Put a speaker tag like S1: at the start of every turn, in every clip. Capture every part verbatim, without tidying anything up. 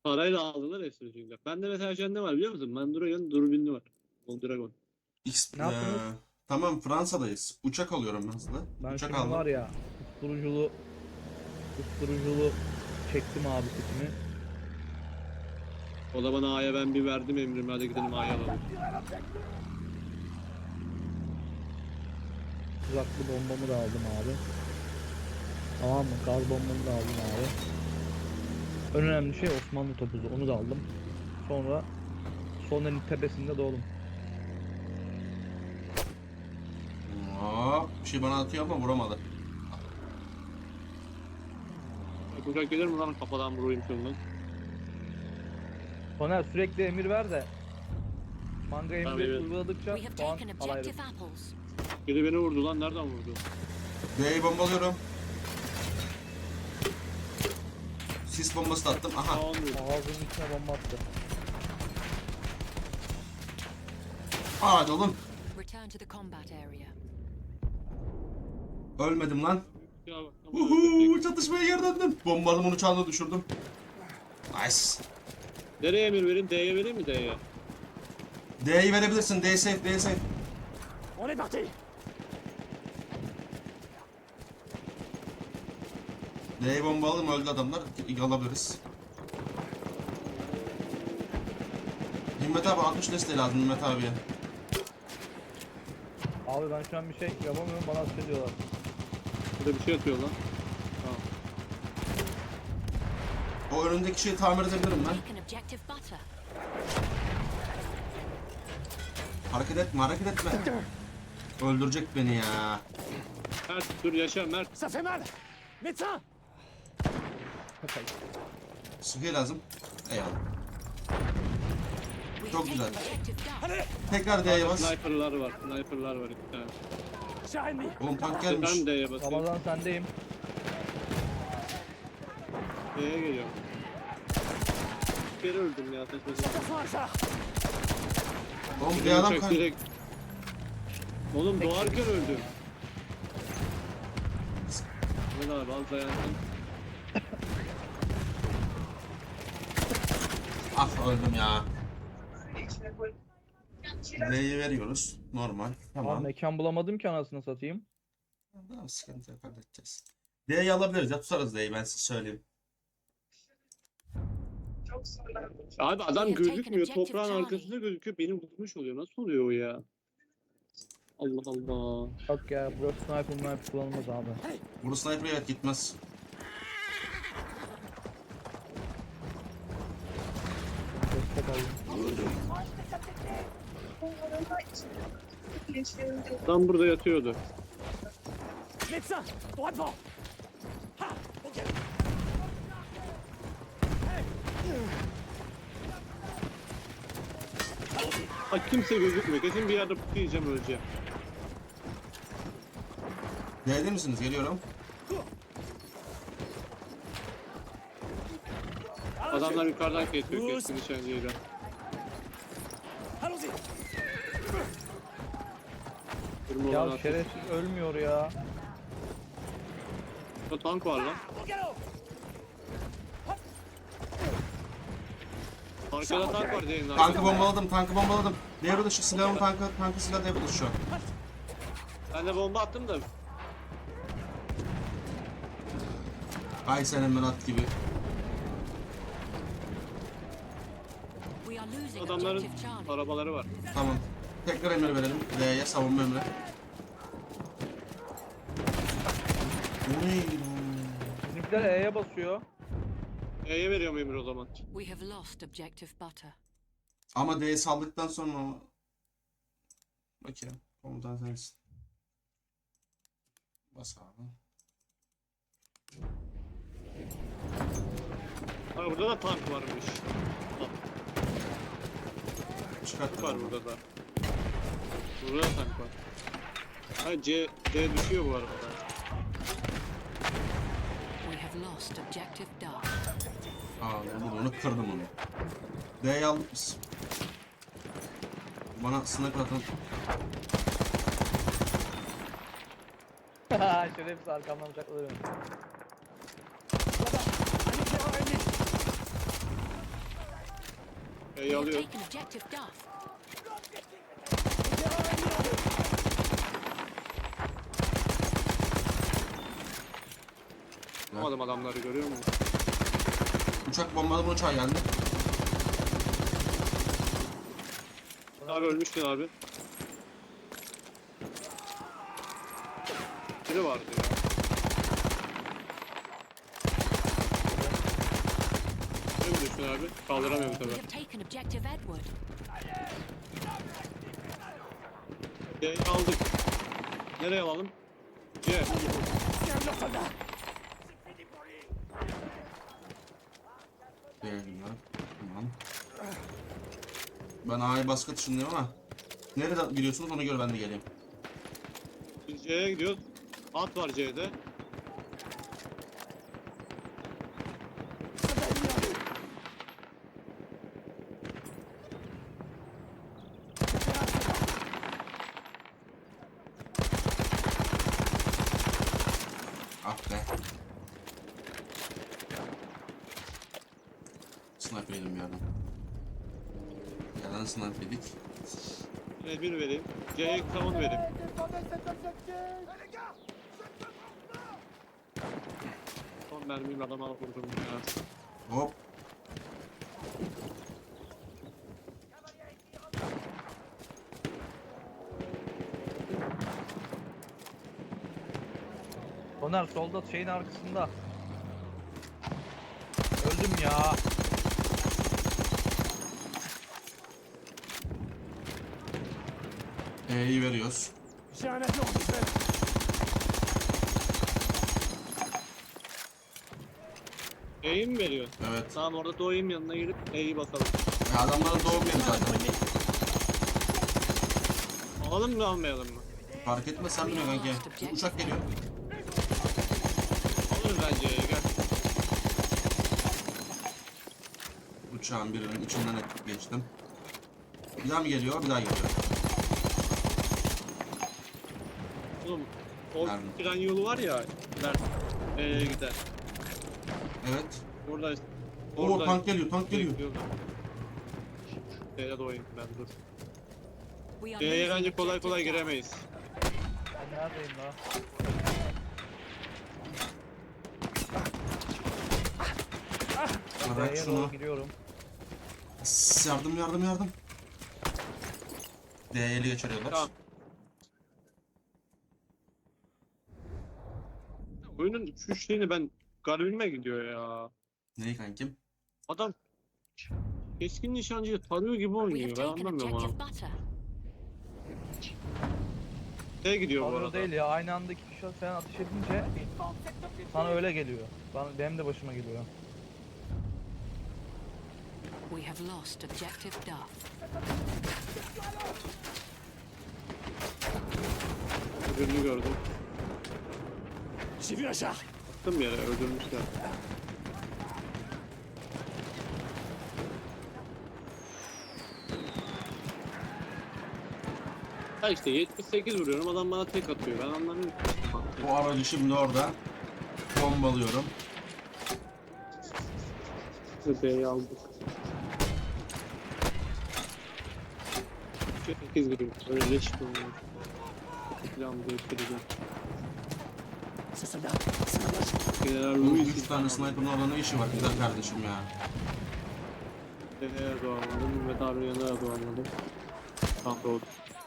S1: Parayla aldılar hepsini çünkü. Bende mesela şu an ne var biliyor musun? Mandragon dürbünlü var. Mondragon.
S2: X,
S3: Ne yaptınız?
S2: eee, tamam Fransa'dayız. Uçak alıyorum ben hızlı.
S3: Ben
S2: Uçak
S3: şimdi
S2: aldım.
S3: var ya susturuculu susturuculu çektim abi setimi.
S1: O da bana A'ya ben bir verdim emrimi. Hadi gidelim A'ya alalım.
S3: Uzaklı bombamı da aldım abi. Tamam mı? Gaz bombamı da aldım abi. En önemli şey Osmanlı topuzu. Onu da aldım. Sonra Soner'in tepesinde doğdum.
S2: Hop, bir şey bana atıyor ama vuramadı.
S1: Bak uçak gelir mi lan kafadan vurayım şundan.
S3: Soner sürekli emir ver de manga emri
S1: Tabii, evet.
S3: uyguladıkça
S4: We have
S3: puan
S4: taken
S3: alayım.
S4: objective apples.
S1: Biri beni vurdu lan. Nereden vurdu?
S2: D'yi bombalıyorum. Sis bombası da attım.
S1: Aa,
S2: Aha.
S1: olmuyor.
S3: Ağzının içine bomba attı.
S2: Hadi oğlum.
S4: Return to the combat area.
S2: Ölmedim lan.
S1: Ya bak,
S2: Uhu, çatışmaya geri döndüm. Bombalımın uçağını düşürdüm. Nice.
S1: nereye emir vereyim? D'ye vereyim mi D'ye?
S2: D'yi verebilirsin. D safe, D safe.
S5: On est parti.
S2: D'yi bombaladım, öldü adamlar. Alabiliriz. Himmet abi altmış desteği lazım Himmet abiye.
S3: Abi ben şu an bir şey yapamıyorum, bana atış ediyorlar.
S1: Burada bir şey atıyor lan. Tamam.
S2: O önündeki şeyi tamir edebilirim ben.
S4: Taken objective butter.
S2: Hareket etme, hareket etme. Öldürecek beni ya.
S1: Mert dur yaşa Mert.
S5: Ça fait mal. Médecin.
S2: Sıhhiye lazım. Eyvallah.
S4: We
S2: Çok
S4: have
S2: güzel.
S4: taken objective duck.
S5: Allez.
S2: Tekrar D'ye bas.
S1: Sniper'lar var. Sniper'lar var iki tane.
S5: Cher ennemi.
S2: Oğlum tank gelmiş.
S1: Ben D'ye basayım.
S3: Ramazan sendeyim.
S1: D'ye geliyorum. Bir kere öldüm ya. Saçma sapan.
S5: Attention à char.
S2: Oğlum bir
S1: Bir
S2: adam
S1: uçak
S2: kan...
S1: direkt. Oğlum doğarken öldüm. Ne abi al dayandım.
S2: Ah öldüm ya. D'yi veriyoruz. Normal.
S3: Abi
S2: Tamam.
S3: mekan bulamadım ki anasını satayım.
S2: Tamam, sıkıntı yok, halledeceğiz. D'yi alabiliriz ya, tutarız D'yi, ben size söyleyeyim.
S1: Abi adam
S4: We have taken
S1: gözükmüyor.
S4: objective
S1: Toprağın
S4: Charlie.
S1: arkasında gözüküyor. Benim tutmuş oluyor. Nasıl oluyor o ya? Allah Allah.
S3: Yok ya, burası sniper sniper kullanılmaz abi.
S2: Bunu sniper evet gitmez.
S3: Destek alayım.
S1: Adam burada yatıyordu.
S5: Médecin. Droit devant. Ha. Ok.
S1: Bak kimse gözükmüyor. Kesin bir yerde putu yiyeceğim öleceğim.
S2: D'de misiniz? Geliyorum.
S1: Adamlar yukarıdan kesiyor keskin nişancıyla.
S5: Allons-y.
S1: Durma olan
S3: Ya
S1: atıyor.
S3: şerefsiz ölmüyor ya.
S1: Burada tank var lan.
S5: Au galop.
S1: Arkada tank var Zeynep.
S2: Tankı
S1: arkada.
S2: bombaladım, tankı bombaladım. Devre dışı silahım tankı, tankı silah devre dışı şu an.
S1: Ben de bomba attım da.
S2: Ay senin ben at gibi.
S4: We are losing
S1: Adamların
S4: objective Charlie.
S1: arabaları var.
S2: Tamam. Tekrar emir verelim. D'ye savunma emri. Uy.
S3: Bizimkiler E'ye basıyor.
S1: E'ye veriyorum emir o zaman.
S4: We have lost objective butter.
S2: Ama D'yi saldıktan sonra... Bakayım. Komutan sensin. Bas abi.
S1: Abi burada da tank varmış.
S2: Çıkart.
S1: Tank var burada da. Burada da tank var. Ha C, C düşüyor bu arada.
S4: We have lost objective duck.
S2: Aa, bunu, onu kırdım onu. D'yi aldık biz. Bana sniper atın.
S3: Şerefsiz arkamdan bıçakladı beni.
S5: Un éclaireur ennemi.
S4: We
S1: B'yi
S4: have
S1: alıyor.
S4: taken objective Duff.
S1: Alamadım adamları, görüyor musun?
S2: Uçak bombalama uçağı geldi.
S1: Abi ölmüştün abi. Biri vardı ya. Biri mi düştün abi? Kaldıramıyorum
S4: We
S1: tabi.
S4: have taken objective Edward.
S1: C'yi aldık. Nereye alalım? C.
S5: Tiens leurs soldats.
S2: Değilim lan. Tamam. Ben A'ya baskı atışındayım ama. Nereden gidiyorsunuz ona göre ben de geleyim.
S1: Biz C'ye gidiyoruz. At var C'de.
S5: Soldats ennemis en vue.
S2: Ah be. Sniper yedim bir yerden. Bir yerden sniper yedik.
S1: Yine bir vereyim. C'ye tamam vereyim. Son mermimi adama vurdum ya.
S2: Hop.
S3: Soner solda şeyin arkasında. Öldüm ya.
S2: E'yi veriyoruz.
S5: J'ai un avion visuel.
S1: E'yi mi veriyor?
S2: Evet.
S1: Tamam, orada doğayım yanına girip E'yi basalım.
S2: Ya adamların doğum yeri zaten.
S1: Alalım mı almayalım mı?
S2: Fark etmez sen biliyorsun kanki. Uçak geliyor.
S1: Alırız bence E'yi, gel.
S2: Uçağın birinin içinden geçtim. Bir daha mı geliyor? Bir daha geliyor.
S1: Oğlum o
S2: Nerede?
S1: tren yolu var ya. Mert. E'ye gider.
S2: Evet.
S1: Burada.
S2: Oo tank geliyor, tank geliyor.
S1: Bekliyorlar. E'ye doğayım ben, dur.
S4: We are
S1: E'ye
S4: losing
S1: bence kolay kolay
S4: objective Duff.
S1: giremeyiz.
S3: Ben neredeyim la?
S2: Bırak
S3: B'ye
S2: şunu.
S3: doğru gidiyorum.
S2: Sss, yardım yardım yardım. D'ye ele geçiriyorlar.
S1: Tamam. Oyunun şu şeyini ben garibime gidiyor ya.
S2: Neyi kankim?
S1: Adam keskin nişancıyı tarıyor gibi
S4: We have
S1: oynuyor. Ben
S4: taken
S1: anlamıyorum
S4: objective
S1: onu.
S4: Butter.
S1: D'ye gidiyor bu
S3: Tanrı
S1: arada.
S3: değil ya, aynı anda iki kişi falan ateş edince sana öyle geliyor. Bana, benim de başıma geliyor.
S4: We have lost objective Duff.
S1: Öbürünü gördüm.
S5: J'ai vu un char.
S1: Attım yere, öldürmüşler. Ha işte yetmiş sekiz vuruyorum, adam bana tek atıyor. Ben anlamıyorum.
S2: Bu aracı şimdi orada. Bombalıyorum.
S1: B'yi aldık. sekiz vuruyor. Öyle leş vuruyor. Plan değiştireceğim.
S5: Ce soldat, c'est un moche.
S1: General
S2: Bu
S1: Louis
S2: üç tane sniper'ın orada ne işi var güzel kardeşim ya.
S1: B'ye doğamadım. Mehmet abi yanına da doğamadım. Tam doğdu.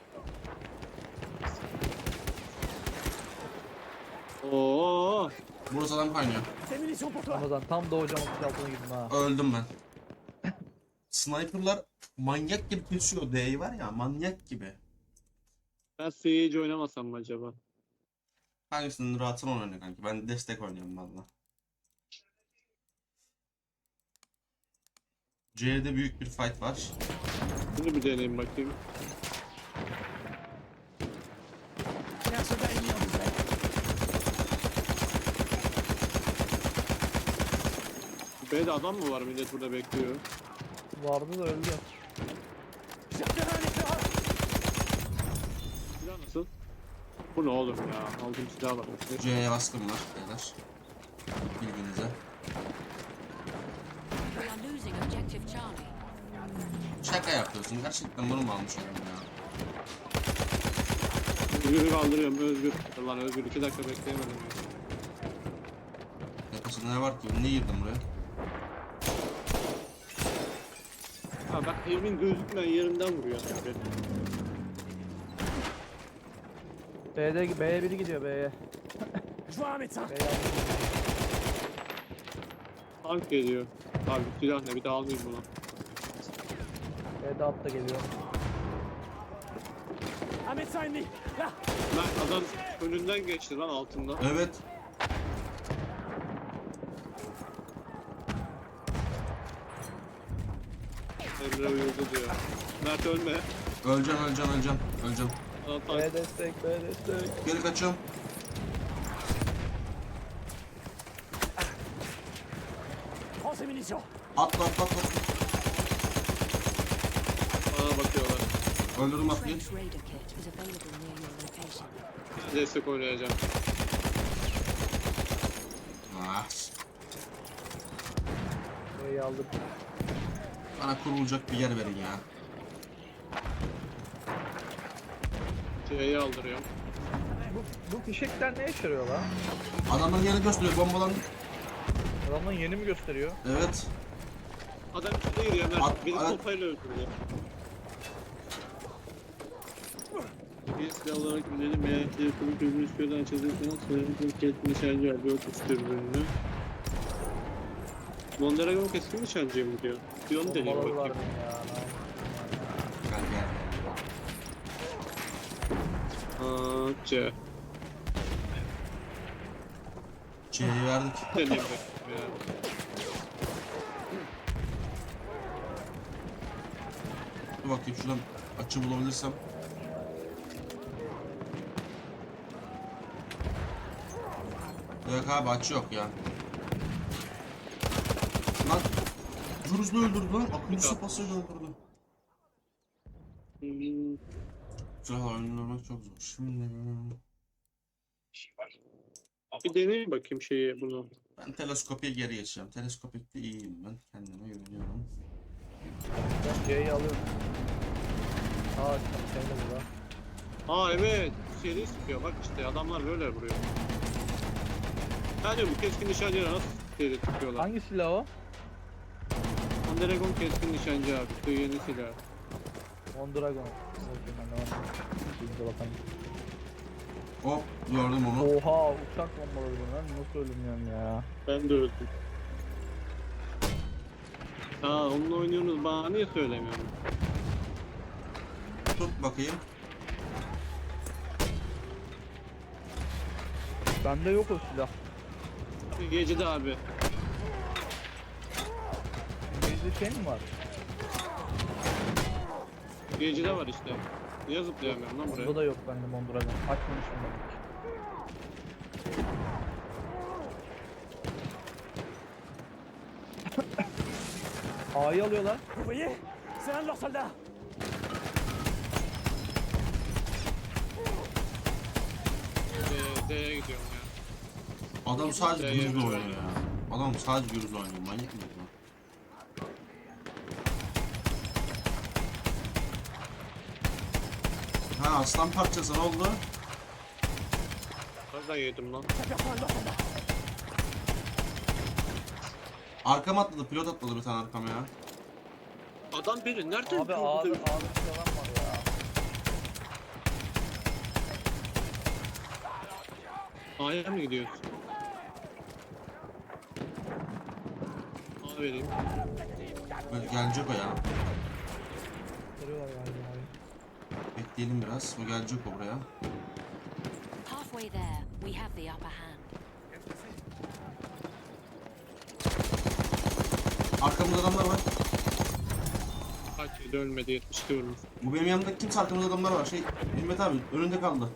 S1: Oo,
S2: Burası adam kaynıyor.
S5: Des munitions pour toi.
S3: Ramazan tam doğacağım otuz altına girdim ha.
S2: Öldüm ben. Sniper'lar manyak gibi kesiyor. D'yi var ya manyak gibi.
S1: ben Siege oynamasam mı acaba?
S2: Hangisinin rahatını oynuyor kanki? Ben destek oynuyorum valla. C'de büyük bir fight var.
S1: Şimdi bir deneyeyim bakayım.
S5: Il y a un soldat ennemi en visuel.
S1: B'de adam mı var? Millet burada bekliyor.
S3: Vardı da öldü.
S5: J'ai repéré un éclaireur.
S1: Silah nasıl? Bu ne oğlum ya? Aldığım silah var.
S2: C'ye baskın var beyler. Bilginize.
S4: We are losing objective Charlie.
S2: Şaka yapıyorsun. Gerçekten bunu mu almış adam ya?
S1: Özgür'ü kaldırıyorum Özgür. Lan Özgür iki dakika bekleyemedim ya.
S2: Yakasında ne var ki? Ne girdim buraya?
S1: Ha bak evimin gözükmeyen yerinden vuruyor.
S3: B'de B'ye biri gidiyor B'ye.
S5: Je vois un médecin.
S3: B'ye aldım.
S1: Tank geliyor. Abi silah ne bir daha almayayım bunu.
S3: B'de at da geliyor.
S5: Un médecin ennemi. Là.
S1: Lan adam önünden geçti lan altından.
S2: Evet.
S1: Emre uyudu diyor. Mert ölme.
S2: Öleceğim, öleceğim, öleceğim. Öleceğim.
S1: Lan tank.
S3: B destek, B destek.
S2: Geri kaçıyorum.
S5: Prends ces munitions.
S2: Atla, atla, atla.
S1: Bana bakıyorlar.
S2: Öldürdüm atlıyı.
S4: French Raider kit is available near your location.
S1: Destek oynayacağım.
S2: Ah.
S3: B'yi aldım.
S2: Bana kurulacak bir yer verin ya.
S1: C'yi aldırıyorum.
S3: Bu, bu fişekler ne işe yarıyor lan?
S2: Adamların yerini gösteriyor. Bombalandık.
S3: Adamların yeni mi gösteriyor?
S2: Evet.
S1: Adam içinde giriyor Mert.
S2: At-
S1: Beni
S2: at-
S1: sopayla öldürdü. Bir silah olarak bilelim. Eğer yakını gözünü şuradan çözürsen sayımızın keskin nişancı var. Bir otuz türbününü. Mondragon keskin nişancıya mı diyor? Bir onu deneyim
S3: Bombaları var
S1: bakayım.
S3: mı ya?
S2: Gel gel.
S1: Aa, C.
S2: C'yi verdik.
S1: Deneyim bakayım ya.
S2: Dur bakayım şuradan açı bulabilirsem. Yok abi açı yok ya. Lan Juruz'la öldürdü lan. Akıllı sopasıyla öldürdü.
S1: Hmm,
S2: Silahla öldürmek çok zor. Şimdi
S1: Bir deneyim bakayım şeyi bunu.
S2: ben teleskopiye geri geçeceğim. Teleskopikte iyiyim ben. Kendime güveniyorum.
S3: Ben C'yi alıyorum. Aa sen de burada.
S1: Aa evet. Seri sıkıyor. Bak işte adamlar böyle vuruyor. Ben diyorum bu keskin nişancıya nasıl seri sıkıyorlar?
S3: Hangi silah o?
S1: Mondragon keskin nişancı abi. Bu yeni silah.
S3: Mondragon. Bakayım ben de var. Biz de bakalım.
S2: Hop gördüm onu.
S3: Oha uçak bombaları bunlar. Nasıl ölümüyorum ya?
S1: Ben de öldüm. Aa onunla oynuyorsunuz bana niye söylemiyorsun?
S2: Tut bakayım.
S3: Bende yok o silah.
S1: Gecede abi.
S3: Bizde şey mi var?
S1: Gecede var işte. Niye zıplayamıyorum lan buraya?
S3: Burada da yok bende Mondragon. Açmamışım ben hiç. A'yı alıyorlar.
S5: Vous voyez? C'est un de leurs soldats.
S1: D'ye D'ye gidiyorum ya.
S2: Adam sadece
S1: Ya,
S2: Juruz'la
S1: ya.
S2: oynuyor ya. Adam sadece Juruz'la oynuyor. Manyak mı bu? Ha aslan parçası ne oldu?
S1: Nereden yedim lan?
S5: J'aperçois un de leurs soldats.
S2: Arkama atladı, pilot atladı bir tane arkama ya.
S1: Adam biri nereden
S3: Abi
S1: gördü?
S3: A'da A'da silah var ya.
S1: A'ya mı gidiyorsun? A vereyim.
S2: Böyle gelecek o ya.
S3: Kırıyorlar galiba abi.
S2: Bekleyelim biraz. O gelecek o buraya.
S4: Halfway there, we have the upper hand.
S2: Arkamızda adamlar var.
S1: Kaç yedi ölmedi yetmiş iki vurmuş.
S2: Bu benim yanımdaki kimse, arkamızda adamlar var. Şey, Himmet abi önünde kaldı.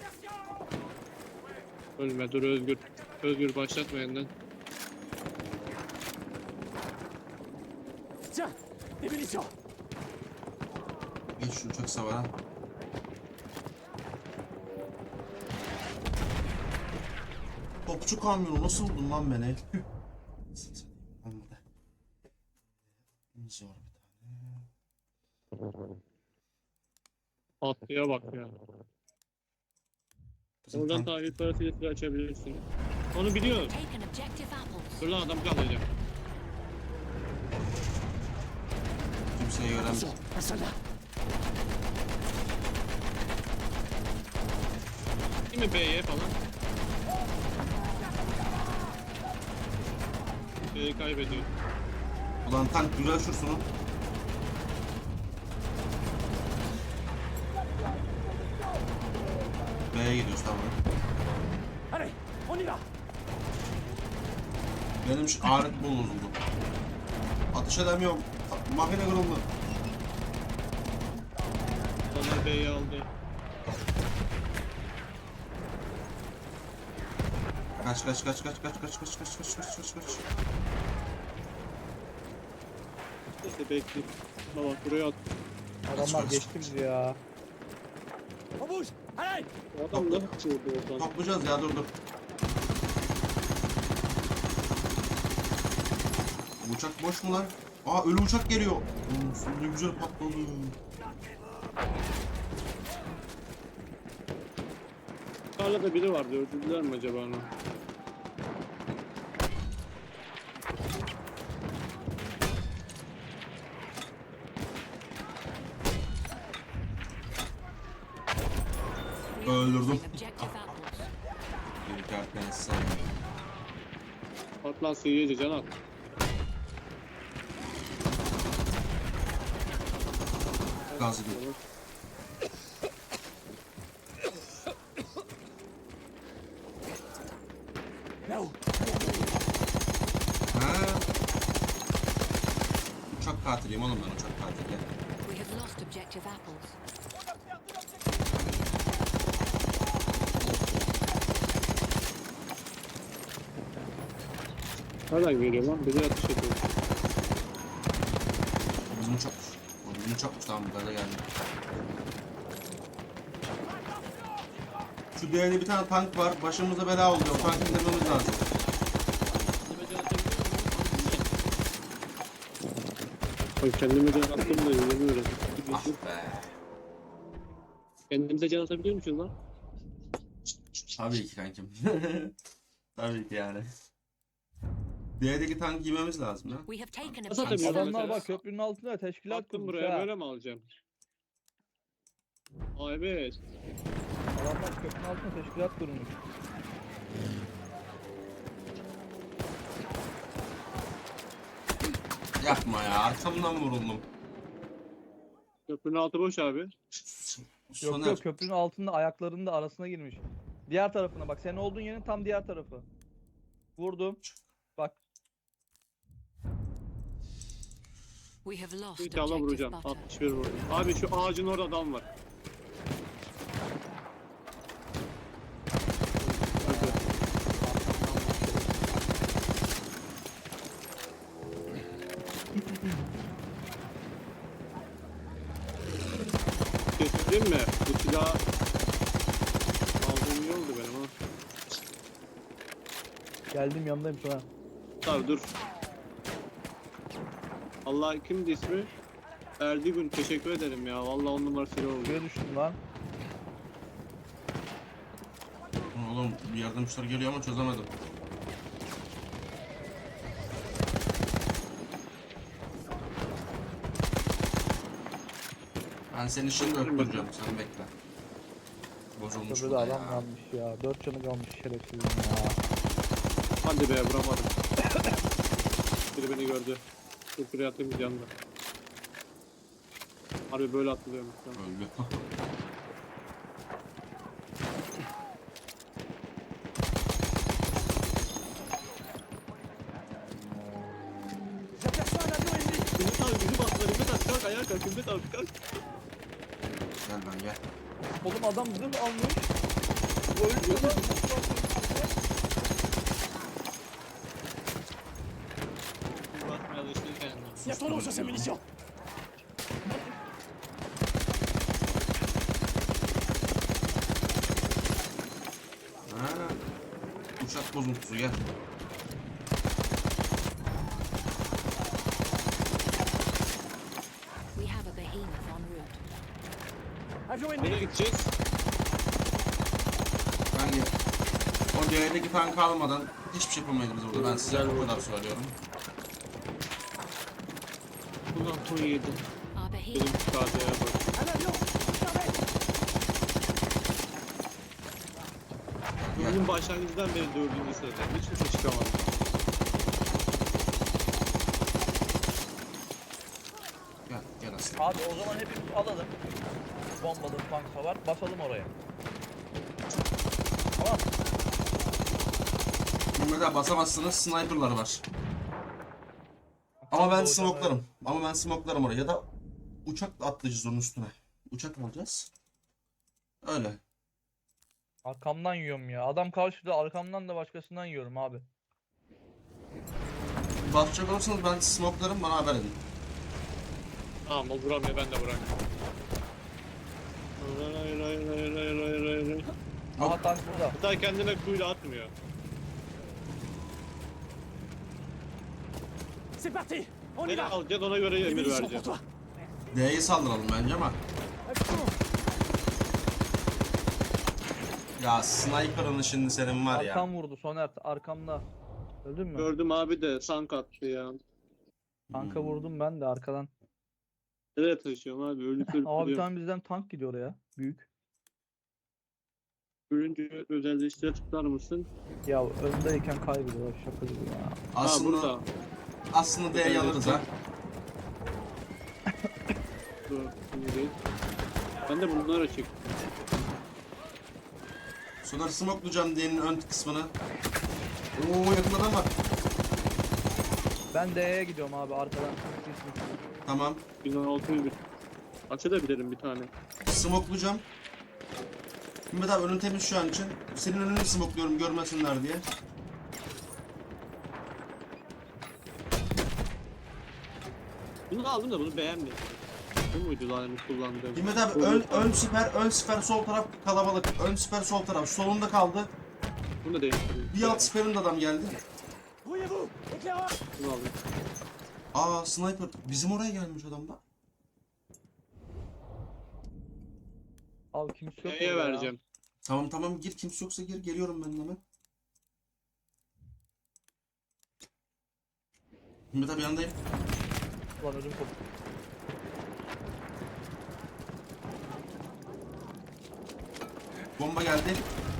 S1: Ölme dur Özgür. Özgür başlatma yeniden.
S5: Tiens, des munitions.
S2: Geç şu uçak savara. Topçu kamyonu nasıl buldun lan beni? Olmadı. Zor bir tane.
S1: Atlıya bak ya.
S2: Bizim
S1: Oradan
S2: tank-
S1: tahil parasıyla silah açabilirsin. Onu biliyorum.
S4: Taken objective apples.
S1: Dur lan adam kalacak.
S2: kimseyi göremiyorum.
S5: Attention, un soldat.
S1: Değil mi B'ye falan? B'yi kaybediyor.
S2: Ulan tank güzel şursunu. B'ye gidiyoruz tamam.
S5: Allez, on y va.
S2: Benim şu alet bol bozuldu. Atış edemiyorum. Makine kırıldı.
S1: Onlar B'yi aldı.
S2: Kaç kaç kaç kaç kaç kaç kaç kaç kaç kaç kaç kaç.
S1: İşte bekle. Baba buraya at.
S3: Adamlar geçti bizi ya.
S5: On bouge. Allez.
S1: O adam nasıl vurdu oradan?
S2: Toplayacağız ya dur dur. Bu uçak boş mu lan? Aa ölü uçak geliyor. Hmm, ne güzel patladı.
S1: Tarlada biri vardı. Öldürdüler mi acaba onu?
S2: Öldürdüm.
S4: Objective apples.
S2: Bir kart sen.
S1: At lan sıyıcı can at.
S2: Gazı değil.
S5: Là-haut.
S2: Ha. Uçak katiliyim oğlum ben uçak katili.
S4: We have lost objective apples.
S1: Nereden geliyor lan? Bizi atış ediyor.
S2: Bizim uçakmış. O bizim uçakmış tamam bu kadar geldi. Şu değerli bir tane tank var. Başımıza bela oluyor. O tankı indirmemiz lazım.
S1: Bak kendime can attım da yürümüyoruz.
S2: Ah be.
S1: Kendimize can atabiliyor musunuz lan?
S2: Tabii ki kankim. Tabii ki yani. D'deki tankı giymemiz lazım ya.
S4: We have taken
S1: Nasıl
S4: objective
S1: atabiliyor
S3: Adamlar
S1: mesela?
S3: bak köprünün altında teşkilat
S1: Attım
S3: kurmuş
S1: buraya
S3: ha.
S1: böyle mi alacağım? Aa evet.
S3: Adamlar köprünün altında teşkilat kurmuş.
S2: Yapma ya arkamdan vuruldum.
S1: Köprünün altı boş abi.
S3: Yok
S2: Soner.
S3: yok köprünün altında ayaklarının da arasına girmiş. Diğer tarafına bak, senin olduğun yerin tam diğer tarafı. Vurdum. Bak
S4: We have lost
S1: İnşallah
S4: objective
S1: vuracağım.
S4: butter.
S1: altmış bir vurdum. Abi şu ağacın orada adam var. Hadi. Kesin mi? Bu silah aldığım iyi oldu benim ha.
S3: geldim, yanındayım sana.
S1: Dur dur. Allah kimdi ismi? Erdigün teşekkür ederim ya. Vallahi on numara silah oldu.
S3: Şuraya düştüm lan.
S2: Oğlum bir yardımcılar geliyor ama çözemedim. Ben seni şimdi öptüreceğim sen bekle. Bozulmuş bu
S3: Köprüde
S2: da
S3: adam
S2: ya.
S3: kalmış ya. Dört canı kalmış şerefsizim ya.
S1: Hadi be vuramadım. Biri beni gördü. Çok buraya atayım yanında. Harbi böyle atılıyormuş. Tamam.
S2: Öldü.
S5: J'aperçois un avion ennemi.
S1: Ümit abi bizi bastılar. Ümit abi kalk ayağa kalk. Ümit abi kalk.
S2: Gel lan gel.
S3: Oğlum adam zırh almış. Bu ölüyor lan.
S1: Basmaya alıştırırken.
S5: Il y a ton nom sur ces munitions.
S2: Ha. Uçak bozuntusu gel.
S5: Avion
S1: Nereye
S5: ennemi.
S1: gideceğiz?
S2: Ben de o D'deki tank almadan hiçbir şey yapamayız biz burada. Ben size
S1: Güzel
S2: o
S1: oldu.
S2: kadar söylüyorum.
S1: Ulan on yedi.
S4: Arbor here.
S1: Benim K D'ye bak.
S5: Un avion. J'arrête.
S1: Bunun başlangıcından beri dördüncü sırada. Hiçbir şey çıkamadı.
S2: Gel gel aslında.
S3: Abi o zaman hepimiz alalım. Bombalı tank var. Basalım oraya. Tamam.
S2: Burada basamazsınız, sniperlar var. Ama ben
S3: Hocam,
S2: smoklarım. Ama ben smoklarım oraya. Ya da uçakla atlayacağız onun üstüne. Uçak mı alacağız? Öyle.
S3: Arkamdan yiyorum ya. Adam karşıda, arkamdan da başkasından yiyorum abi.
S2: Basacak olursanız ben smoklarım, bana haber edin.
S1: Tamam o vuramıyor, ben de vuramıyorum. Hayır hayır hayır hayır hayır hayır hayır hayır.
S3: Aha tank burada.
S1: Hatta kendine kuyla atmıyor.
S5: C'est parti. On y
S1: Nereye
S5: va.
S1: alacaksın, ona göre
S5: Des
S1: emir
S5: munitions pour
S1: vereceğim.
S5: toi.
S2: D'yi saldıralım bence ama.
S5: Action.
S2: Ya sniper'ın şimdi senin var ya.
S3: Arkam vurdu Soner, arkamda. Öldün mü?
S1: Gördüm abi de sank attı ya.
S3: Tanka
S2: Hmm.
S3: vurdum ben de arkadan.
S1: Nereye taşıyorum abi? Ölüp ölüp
S3: Aa bir
S1: duruyorum.
S3: tane bizden tank gidiyor oraya. Büyük.
S1: Görünce özelleştire tıklar mısın?
S3: Ya öndeyken kaybediyor. Şaka gibi ya.
S1: Ha
S2: Aslında
S1: burada.
S2: aslında D'yi alırız ha.
S1: Dur, şimdi değil. Ben de bunları çek.
S2: Sonra smokelayacağım D'nin ön kısmını. Oo yakın adam var.
S3: Ben D'ye gidiyorum abi arkadan.
S2: Tamam.
S1: bin altı bir. Açabilirim bir tane.
S2: Smokelayacağım. Mehmet abi önün temiz şu an için. Senin önünü smokluyorum görmesinler diye.
S1: Bunu aldım da bunu beğenmedim. Bu muydu lan benim kullandığım?
S2: Mehmet abi
S1: Bu-
S2: ön, ön siper, ön siper sol taraf kalabalık. Ön siper sol taraf. Solunda kaldı.
S1: Bunu da değiştirdim.
S2: Bir alt siperin de adam geldi.
S5: Brouillez-vous. Éclaireur.
S1: Bunu aldım.
S2: Aa sniper. Bizim oraya gelmiş adam da.
S3: Abi kimse yok
S1: Neye
S3: orada ya.
S1: vereceğim?
S2: Tamam tamam gir, kimse yoksa gir, geliyorum ben de hemen. Mehmet abi yanındayım.
S3: Ulan ödüm koptu.
S2: Bomba geldi.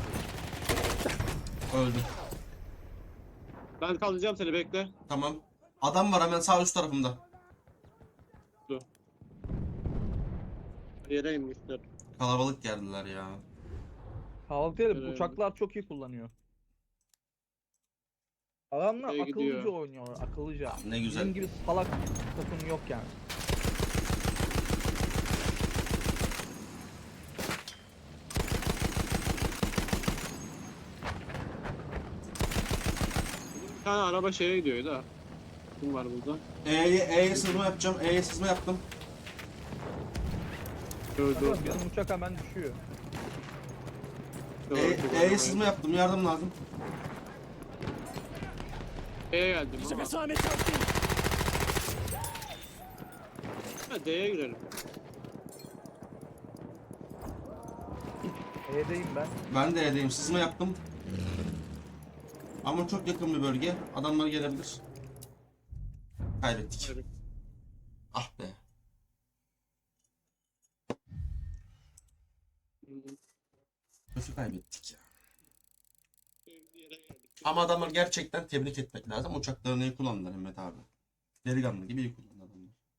S2: Öldüm.
S1: Ben kaldıracağım seni, bekle.
S2: Tamam. Adam var hemen sağ üst tarafımda.
S1: Yere inmişler.
S2: Kalabalık geldiler ya.
S3: Kahvaltı değil,
S1: Evet.
S3: uçaklar çok iyi kullanıyor. Adamlar
S1: Şey
S3: akıllıca
S1: gidiyor.
S3: oynuyor, akıllıca.
S2: Ne güzel.
S3: Bizim gibi salak takım yok yani.
S1: Bir tane araba şeye gidiyor da. Kim var burada?
S2: E'ye E'ye sızma yapacağım. E'ye sızma yaptım.
S1: Gördü.
S3: Bakın bizim uçak hemen düşüyor.
S2: E, E'ye sızma yaptım. Yardım lazım.
S1: D'ye geldim ama.
S5: J'aperçois un médecin hostile.
S1: Ha, D'ye girelim.
S3: E'deyim ben.
S2: Ben de E'deyim. Sızma yaptım. Ama çok yakın bir bölge. Adamlar gelebilir. Kaybettik.
S1: Evet.
S2: Ah be. Kötü kaybettik ya.
S1: Bir yere geldik.
S2: Ama adamlar gerçekten tebrik etmek lazım. Uçaklarını iyi kullandılar Mehmet abi. Delikanlı gibi iyi kullandılar.